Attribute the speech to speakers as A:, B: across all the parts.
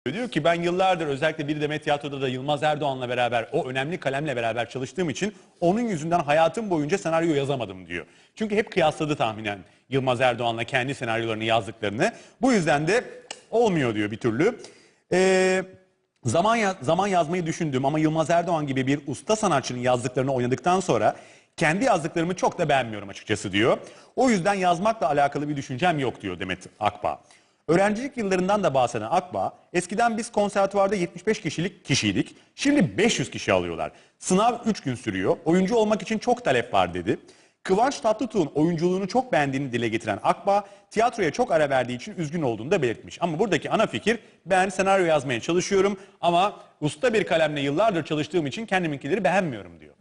A: Diyor ki ben yıllardır özellikle Bir Demet Tiyatro'da da Yılmaz Erdoğan'la beraber o önemli kalemle beraber çalıştığım için onun yüzünden hayatım boyunca senaryo yazamadım diyor. Çünkü hep kıyasladı tahminen Yılmaz Erdoğan'la kendi senaryolarını yazdıklarını. Bu yüzden de olmuyor diyor bir türlü. Zaman yazmayı düşündüm ama Yılmaz Erdoğan gibi bir usta sanatçının yazdıklarını oynadıktan sonra kendi yazdıklarımı çok da beğenmiyorum açıkçası diyor. O yüzden yazmakla alakalı bir düşüncem yok diyor Demet Akbağ. Öğrencilik yıllarından da bahseden Akbağ, eskiden biz konservatuvarda 75 kişiydik, şimdi 500 kişi alıyorlar. Sınav 3 gün sürüyor, oyuncu olmak için çok talep var dedi. Kıvanç Tatlıtuğ'un oyunculuğunu çok beğendiğini dile getiren Akbağ, tiyatroya çok ara verdiği için üzgün olduğunu da belirtmiş. Ama buradaki ana fikir, ben senaryo yazmaya çalışıyorum ama usta bir kalemle yıllardır çalıştığım için kendiminkileri beğenmiyorum diyor.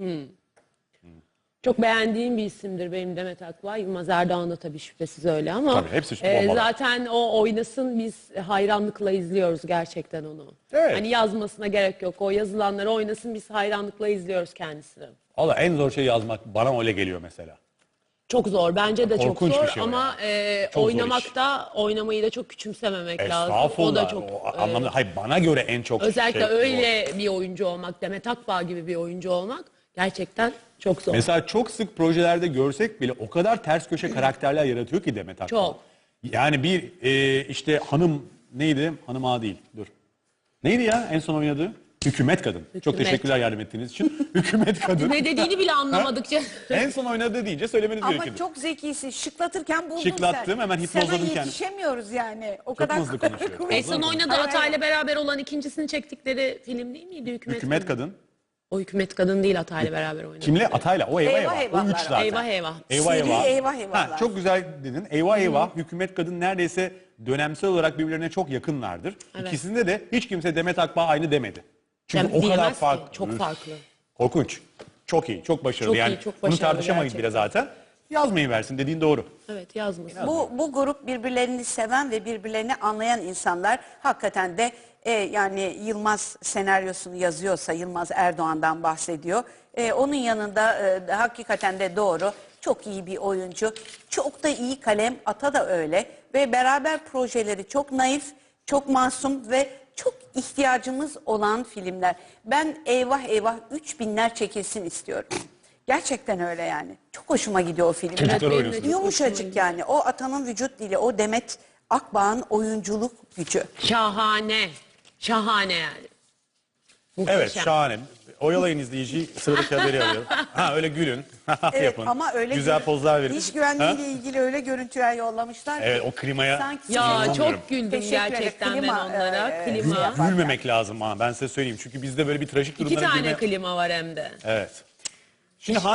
B: Çok beğendiğim bir isimdir benim Demet Akbağ. Yılmaz Erdoğan da tabii şüphesiz öyle ama
A: Tabii, hepsi bombalar.
B: zaten o oynasın biz hayranlıkla izliyoruz gerçekten onu.
A: Evet.
B: Hani yazmasına gerek yok. O yazılanları oynasın biz hayranlıkla izliyoruz kendisini.
A: Valla en zor şey yazmak bana öyle geliyor mesela.
B: Çok zor. Bence de çok
A: Korkunç
B: zor
A: bir şey o
B: ama
A: Çok zor iş.
B: oynamayı da çok küçümsememek lazım.
A: Estağfurullah.
B: O da çok
A: Anlamda, hayır, bana göre en çok
B: özellikle
A: zor.
B: öyle bir oyuncu olmak, Demet Akbağ gibi bir oyuncu olmak gerçekten çok zor.
A: Mesela çok sık projelerde görsek bile o kadar ters köşe karakterler yaratıyor ki Demet Akbağ.
B: Çok.
A: Yani bir işte hanım neydi? Hanım ağa değil. Dur. Neydi ya en son oynadığı? Hükümet Kadın. Çok teşekkürler yardım ettiğiniz için. Hükümet Kadın.
B: Ne dediğini bile anlamadıkça.
A: En son oynadığı deyince söylemeniz
C: Ama
A: gerekiyordu.
C: çok zekisin. Şıklatırken buldun
A: Şıklattım,
C: sen.
A: hemen hipnozladım
C: Sana
A: kendimi.
C: yetişemiyoruz yani. O
A: Çok
C: kadar
A: hızlı konuşuyorum.
C: kuvvetli.
B: En son oynadığı Atay'la beraber olan ikincisini çektikleri film değil miydi?
A: Hükümet Kadın.
B: O Hükümet Kadın değil Atay'la beraber oynadı.
A: Kimle? Atay'la. O eyvah
C: Eyvah
A: eyvah. O
C: eyvahlar.
A: üç zaten.
B: Eyvah eyvah.
A: Eyvah
C: Seri
A: eyvah.
C: eyvah eyvahlar.
A: Çok güzel dedin. Eyvah eyvah. Hükümet Kadın neredeyse dönemsel olarak birbirlerine çok yakınlardır.
B: Evet.
A: İkisinde de hiç kimse Demet Akbağ aynı demedi. Çünkü o kadar
B: Diyemez ki,
A: farklı.
B: çok farklı.
A: Korkunç. Çok iyi, çok başarılı.
B: Çok iyi,
A: yani
B: çok
A: bunu
B: başarılı
A: tartışamayız bile
B: gerçekten.
A: zaten. Yazmayı versin dediğin doğru.
B: Evet yazmasın.
C: Bu grup birbirlerini seven ve birbirlerini anlayan insanlar. Hakikaten de yani Yılmaz senaryosunu yazıyorsa Yılmaz Erdoğan'dan bahsediyor. Onun yanında hakikaten de doğru. Çok iyi bir oyuncu. Çok da iyi kalem. Ata da öyle. Ve beraber projeleri çok naif, çok masum ve çok ihtiyacımız olan filmler. Ben eyvah eyvah 3000'ler çekilsin istiyorum. Gerçekten öyle yani. Çok hoşuma gidiyor o filmler.
A: Çocuklar
B: benim de
A: oynuyorsun.
B: çok
C: Yumuşacık yani. O Atan'ın vücut dili, o Demet Akbağ'ın oyunculuk gücü.
B: Şahane. Şahane yani. Muhteşem.
A: Evet, şahane. Oyalayın izleyiciyi, sıradaki haberi alıyorum. Ha öyle gülün.
C: Evet
A: Yapın.
C: ama öyle
A: güzel pozlar verin.
C: İş güvenliğiyle
A: Ha?
C: ilgili öyle görüntüler yollamışlar.
A: Evet, o klimaya
C: Sanki
B: Ya
A: İnanamıyorum.
B: çok güldüm
C: Teşekkür ederim.
B: gerçekten ben
C: Klima,
B: onlara. Klima.
C: yapar.
A: gülmemek lazım ha, ben size söyleyeyim. Çünkü bizde böyle bir trajik
B: İki
A: durumlara
B: tane
A: gülme...
B: klima var hem de.
A: Evet. Şimdi